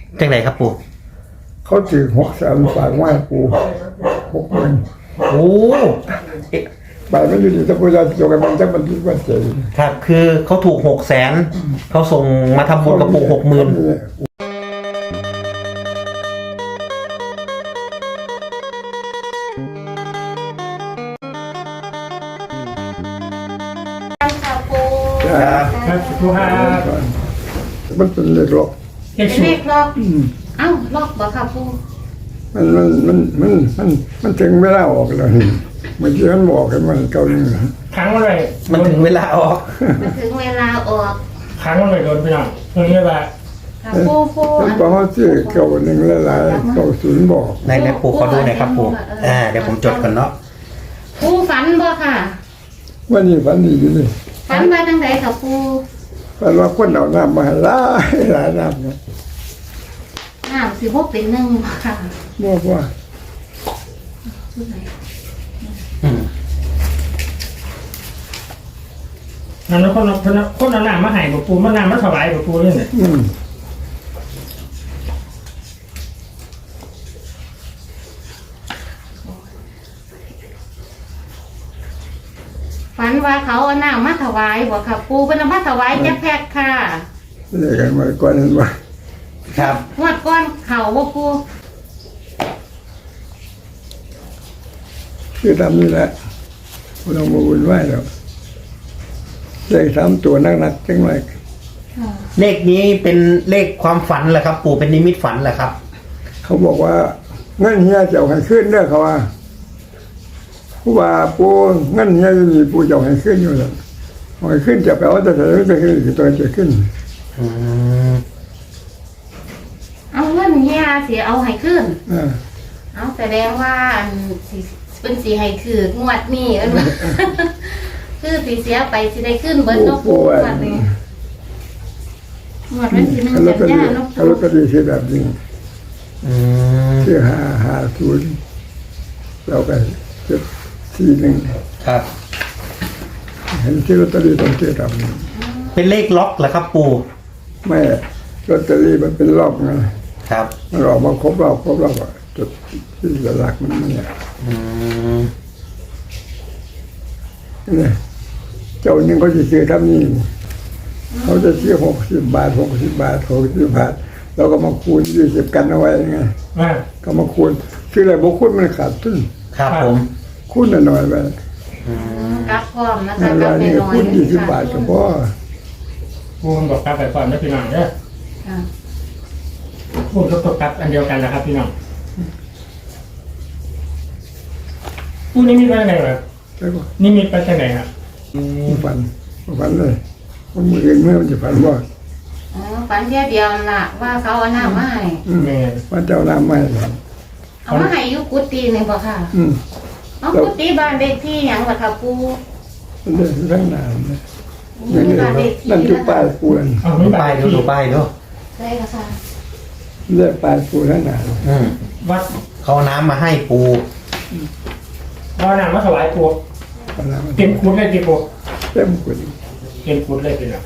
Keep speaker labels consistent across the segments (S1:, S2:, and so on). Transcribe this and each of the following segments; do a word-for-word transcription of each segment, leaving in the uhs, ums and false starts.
S1: จังไหนครับปู่
S2: เขาถือหกแสนฝากไว้ปู่หกหมื่น
S1: โอ้
S2: ใบไม่อยู่ดีถ้าพูดจะจบกันมันจะมันดีกว่าเจ๋ง
S1: ครับคือเขาถูกหกแสนเขาส่งมาทำบุญกับปู่หกหมื่น
S3: ครับสุภาพ
S2: มันเป็นเลขล็อก
S3: เลขล็อกเอ้าล็อกบ่ครับปู่
S2: มันมันมันมันมันมันถึงเวลาออกแล้วนี่เมื่อกี้มันบอกกันมันเก่าหนึ่ง
S1: ค้างอะไรมันถึงเวลาออก
S3: มันถึงเวลาออก
S1: ค้างอะไรโดนไปหน่อยตรงนี้ว่า
S3: ปู่ปู่
S2: มันบอกว่าชื่อเก่าหนึ่งหลายๆเก่าศูนย์บอก
S1: ในในปู่ขอดูหน่อยครับปู่อ่าเดี๋ยวผมจดก่อนเนาะ
S3: ปู่ฝันบ่ค่ะ
S2: วันนี้ฝันดีอยู่นี่
S3: ฝันว่าจังไดครับปู่
S2: ฝันว่าคนเอาน้ำมาให้หลายหลายน้ำเนี่ย
S3: น้ำสิบหกเป็นหนึ่งค่ะ
S2: บอกว่า
S1: นั่นคนคนคนเอาน้ำมาให้ปู่ปู่มันน้ำมาถวายปู่นี่เนี่ย
S3: ฝันว่าเขาเอาน้ำมาถวายบ่ค่ะปู่เป็นเอามาถวายจะแพ็คค่ะ
S2: เรียกกันมาก่อนเห็นว่า
S1: ครับ
S3: งวดก้อนเข่าบ่ปู่
S2: คือทำนี่แหละเรามาวุ่นวายแล้วเลขสามตัวนักๆจังไร
S1: เลขนี้เป็นเลขความฝันเหรอครับปู่เป็นนิมิตฝันเหรอครับ
S2: เขาบอกว่าเงินเฮียจะเอาให้ขึ้นเด้อเขาว่าผู้ว่าปูเงินเฮียจะมีปูจะเอาให้ขึ้นอยู่แล้วเอาให้ขึ้นจะไปเอาแต่จะจะขึ้นคือตัวจะขึ้น
S3: เอาเงินเฮียสิเอาให้ขึ้นเอาแสดงว่าอันสิเป็นสีให้คืองวดนี้เออคือสีเสียไปสิได้ขึ้นเบิร์นนกปูงวดนี้งวดนั้นสิหนึ่งกันยานกปู
S2: เขาก็ดีเสียแบบนี้คือหาหาศูนย์เราไปเจ็ดสี่หนึ่ง
S1: ครับ
S2: เห็นที่ลอตเตอรี่ต้องเชื่อทำ
S1: เป็นเลขล็อกเหรอครับปู่
S2: ไม่ลอตเตอรี่มันเป็นรอบไง
S1: ครับ
S2: มันออกมาครบรอบครบรอบจุดที่หลักมันเนี่ยนี่เจ้าหนึ่งเขาจะซื้อทำนี่เขาจะซื้อหกสิบบาทหกสิบบาทหกสิบบาทเราก็มาคูณยี่สิบกันเอาไว้ไงก็มาคูณซื้ออะไรบอกคูณมันขาดทุน
S1: ครับผม
S2: คูณหน่อยไป
S3: กับพร้อมนะคะกับไปหน่อย
S2: คูณยี่สิบบาทก็พอ
S1: คูณบอกกับไปก่อนนะพี่น้องเนี่ยคูณกับตกกับอันเดียวกันนะครับพี่น้องคูณนี่มีไปไหนวะนี่มีไปทางไหนครับ
S2: ฝันฝันเลยมันมือเองเมื่อมันจะฝันว่า
S3: อ๋อฝันแค่เดียวล่ะว่าเขาเอาน้ำมาให้
S2: ว่าเจ้าน้ำมาให้
S3: เอามาให้ยุกุฏินี่บ่ค่ะเอากุฏิบ้านเด็กที่หยังบ่ค่ะปู่
S2: เรื่องเรื่องน้ำนะนั่นจุป้ายปูนั่น
S1: ดูป้ายดูดูป้ายดู
S3: ได้ค่ะ
S2: เรื่องป้ายปูนั่นน่ะ
S1: วัดเขาน้ำมาให้ปูเอาน้ำมาถวายปูเต็มคุดเลยกี่ปู
S2: เต็มคุด
S1: เต็มคุดเลยเป็นอ่ะ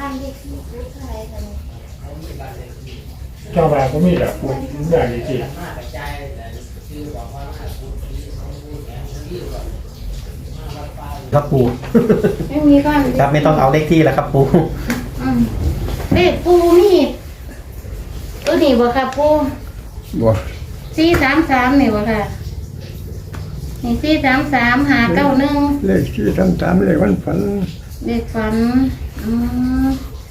S1: เจ้าบ้านก็มีแบบปูใหญ่จริงครับปู
S3: ไม่มีก้อน
S1: ครับไม่ต้องเอาเลขที่แล้วครับปู
S3: เลขปูนี่ตัวนี้บ่ครับปู
S2: บ่
S3: สี่สามสามนี่บ่ค่ะนี่สี่สามสามหาเก้าหนึ่ง
S2: เลขสี่สามสามเลขวันฝัน
S3: เลขฝันอืม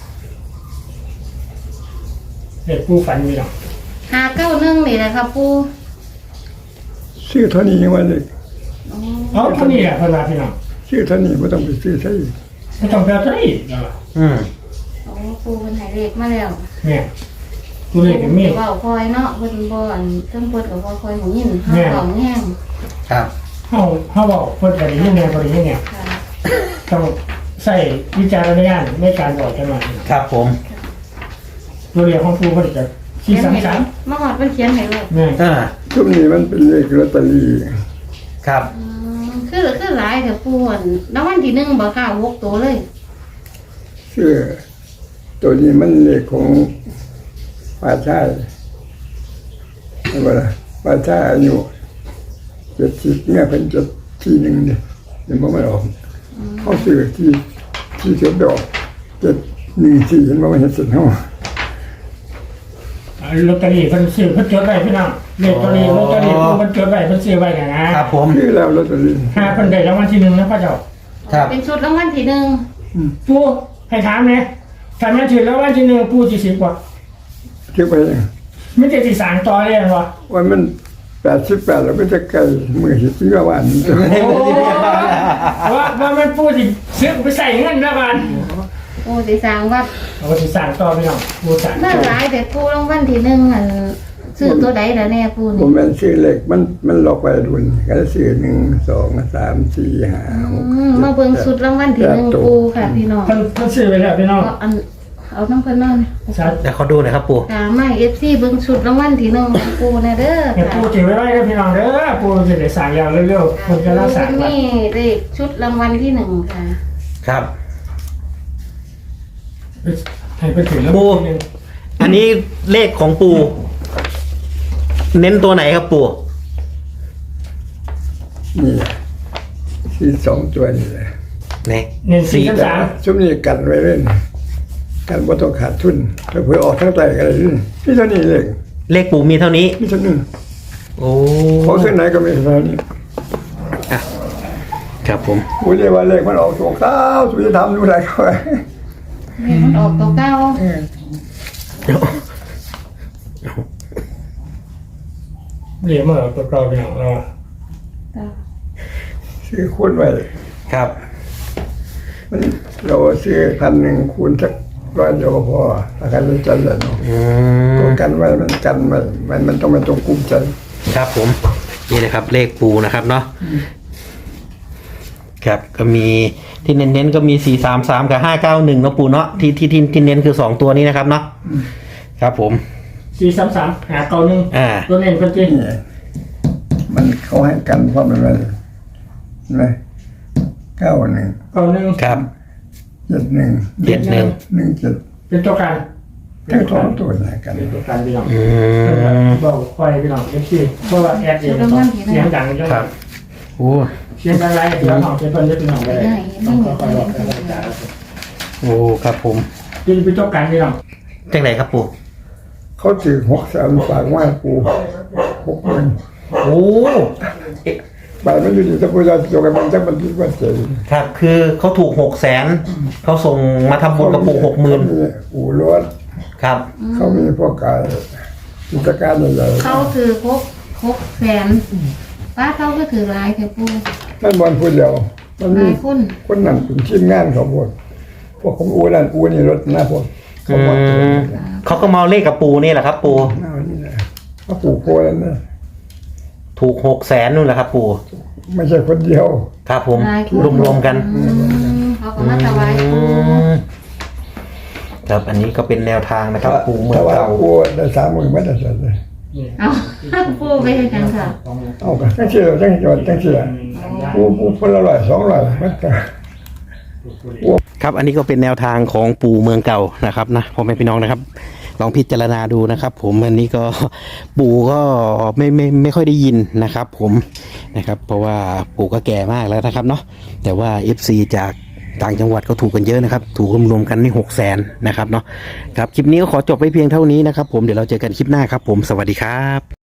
S1: เลขปูฝันมีหรอ
S3: หาเก้าหนึ่งนี่แหละครับปู
S2: ชื่อเท่านี้ยังว่าเลข
S1: อ๋อเท่านี้แหละพนาพี่น้อง
S2: ชื่อเท่านี้ไม่ต้องไปซื้อใช่
S1: ไม่ต้องไปใช่อืม
S3: โอ้ปูเป็นหายเลขมาแล้ว
S1: เนี่ยตัวเลขเป็นมี
S3: ว่าคอยเนาะเพิ่นบ่อันเพิ่นเพิ่นกับว่าคอยของยินห้าของแห้ง
S1: ครับเฮาเฮาบอกเพิ่นก็ได้ยินแนวบ่ได้ยินเนี่ยต้องใส่วิจารณญาณในการบอกกันหน่อยครับผมตัวเลขของปูเพิ่นจะสี่สามสาม
S3: มาฮอดเพิ่นเขียนให้ลูก
S1: เนี่ยอ่า
S2: ช่วงนี้มันเป็นเลขลอตเตอรี่
S1: ครับ
S3: คือคือหลายแต่ปูนแล้ววันที่หนึ่งบ่ค่ะหกตัวเลย
S2: คือตัวนี้มันเลขของป่าชายไม่ว่าว่าถ้าอายุเจ็ดสิบเนี่ยเป็นจะที่หนึ่งเนี่ยยังไม่ออกเขาซื้อที่ที่เจ็ดดอกเจ็ดหนึ่งสี่เห็นว่ามันเห็นเสร็จเขา
S1: ลอตเตอรี่เพิ่นซื้อเพิ่นจดไว้พี่น้องเลขลอตเตอรี่ลอตเตอรี่เพิ่นจดไว้เพิ่นซื้อไว้กันนะครับ
S4: ผม
S2: คือแล้วลอตเตอรี่
S1: หาเพิ่นได้รางวัลที่หนึ่งนะพ่อเจ้า
S4: ครับ
S3: เป็นชุดรางวัลที่หนึ่ง
S1: ปูให้ถามเนี่ยถ้าแม่นถือรางวัลที่หนึ่งปูสิสิบกว่า
S2: เที่ยวไปเอง
S1: ไม่ได้สิสารต่อเลยเหรอ
S2: วันมันแปดสิบแปดเราไม่จะไกลมือหิบที่ว่าวันนี้
S1: โอ้ว่าว่ามันปูสิซื้อไปใส่เงินแล้วกัน
S3: โอ้สิสร้างวัด
S1: เอาสิสารต่อพี่น้องปูสาร
S3: น่าหลายแต่ปูรางวัลที่หนึ่งอันซื้อตัวใดแล้วแน่ปู
S2: ผ
S3: นี่
S2: มเป็นซื้อเล็กมันมันหลอกไปดุนก็ซื้อหนึ่งสองสามสี่ห้าหก
S3: อืมมาเบิ่งชุดรางวัลที่หนึ่งปูค่ะพี่น้อง
S1: เพิ่นเพิ่นซื้อไปแล้วพี่น้อง
S3: เอาอันเอาน้ำเพิ่นนอน
S1: ชัด
S4: เดี๋ยวเขาดูหน่อยครับปู่
S3: ตาไม่เอฟซีเบิ่งชุดรางวัลที่หนึ่งของปูนะเด้อ
S1: เนี่ย
S3: ค่ะ
S1: ปูถือไว้ไว้นะพี่น้องเด้อปูจะได้สารยาวเร็วๆคนจะรักษา
S3: นี่เลขชุดรางวัลที่หนึ่งค่ะ
S4: ครับ
S1: ให้ไปถึงแล้ว
S4: ปู อันนี้เลขของปู่เน้นตัวไหนครับปู่
S2: นี่สี่สองตัวนี่แหละ
S4: ไหน
S1: หนึ่งสี่สาม
S2: ช่วงนี้กันไว้เล่นกันว่าต้องขาดทุนถ้าเผื่อออกทั้งใจกันเลยนี่เท่านี้เลย
S4: เลขปู่มีเท่านี้
S2: นี่เท่านี้
S4: โอ้
S2: เขาเส้นไหนก็มีเท่านี้
S4: อ่ะครับผม
S2: กูเรียกว่าเลขมันออกสองเก้าสุจะทำดูอะไรเขาไว้
S3: เลขมันออกตัวเก้า
S1: เรียกมาตัวเราพี่น้องเรา
S2: ซื้อคูณไว้
S4: ครับ
S2: มันเราซื้อพันหนึ่งคูณสักร้อยเดียวก็พอถ้ากันรู้จักเลยเนาะ
S4: อืม
S2: ตัวกันไว้มันกันไว้มันมันต้องมันต้องกุ้มใจ
S4: ครับผม นี่นะครับ เลขปู่นะครับเนาะครับก็มีที่เน้นๆก็มีสี่สามสามกับห้าเก้าหนึ่งเนาะปู่เนาะที่ที่ที่ที่เน้นคือสองตัวนี้นะครับเนาะครับผม
S1: สี่สามสามหาเก้าหนึ่ง
S4: อ่า
S1: ตัวเน้นคนจริง
S2: นี่มันเขาให้กันเพราะมันอะไรเห็นไหมเก้าหนึ่ง
S1: เก้าหนึ่ง
S4: ครับ
S2: เจ็ดหนึ่ง
S4: เจ็ดหนึ่ง
S2: หนึ่งเจ็ด
S1: เป็นตัวกัน
S2: ทั้งสองตัวเนี่ยกัน
S1: เป็นตัวกันพี่น้อง
S4: อืม
S1: บอกคอยพี่น้องเอฟซีเพราะว่าแอดเองเสียงดังจัง
S4: ครับโอ้
S1: เสียงดังไรพี่น้องเป็นเพิ่นจะพี่น้องเลยต้องคอยบอกกันจ้า
S4: โอ้ครับผม
S1: จะเป็นตัวกันพี่น้อง
S4: จากไหนครับปู่
S2: เขาถือหกสามฝากว่าปูหกหมื่น
S4: โอ้เอ๊ะ
S2: บาทมันอยู่ที่ตะปูจะโยกันมันจะมันที่ว่าเจ๋ง
S4: ครับคือเขาถูกหกแสนเขาส่งมาทำบุญกับปู่หกหมื่น
S2: อู่รถ
S4: ครับ
S2: เขามีพวกกายกิจการใหญ่ๆ
S3: เขาถือครบครบแสนป้าเขาก็ถือหลายแค่ปู
S2: นั่นบอลพูดเดียวมัน
S3: ห
S2: มี
S3: ลายคน
S2: คนนั่นเป็นทีมงานเขาพวกพวกของอูนั่นอูนี่รถหน้าพวกเขา
S4: อื
S2: บอก
S4: มเขาก็มาเอาเลขกับปู่นี่แหละครับ ปู่
S2: หน้านี่นะเขาปลูกโพแล้วนะ
S4: ถูกหกแสนนู่นแหละครับ ปู่
S2: ไม่ใช่คนเดียว
S4: ครับผม
S3: หลายคน
S4: รวมๆกัน
S3: อืมเขาก็มาถวายปู
S4: อืมครับอันนี้ก็เป็นแนวทางนะครับ ปู่เมือง
S2: ถ้าว่า
S4: เก่า
S2: อูได้สามหมื่นไม่ได้เสร็จเลย
S3: เอาปูไปให้กันค่ะ
S2: เอากันจังเสียจังจอดจังเสียอูอูคนละร้อยสองร้อยมันก็
S4: ครับอันนี้ก็เป็นแนวทางของปู่เมืองเก่านะครับนะพ่อแม่พี่น้องนะครับ ลองพิจารณาดูนะครับ ผมอันนี้ก็ปู่ก็ไม่ไม่ไม่ค่อยได้ยินนะครับ ผมนะครับ เพราะว่าปู่ก็แก่มากแล้วนะครับเนาะแต่ว่า เอฟ ซี จากต่างจังหวัดก็ถูกกันเยอะนะครับ ถูกรวมๆกันนี่หกแสนนะครับเนาะครับคลิปนี้ก็ขอจบไปเพียงเท่านี้นะครับ ผมเดี๋ยวเราเจอกันคลิปหน้าครับ ผมสวัสดีครับ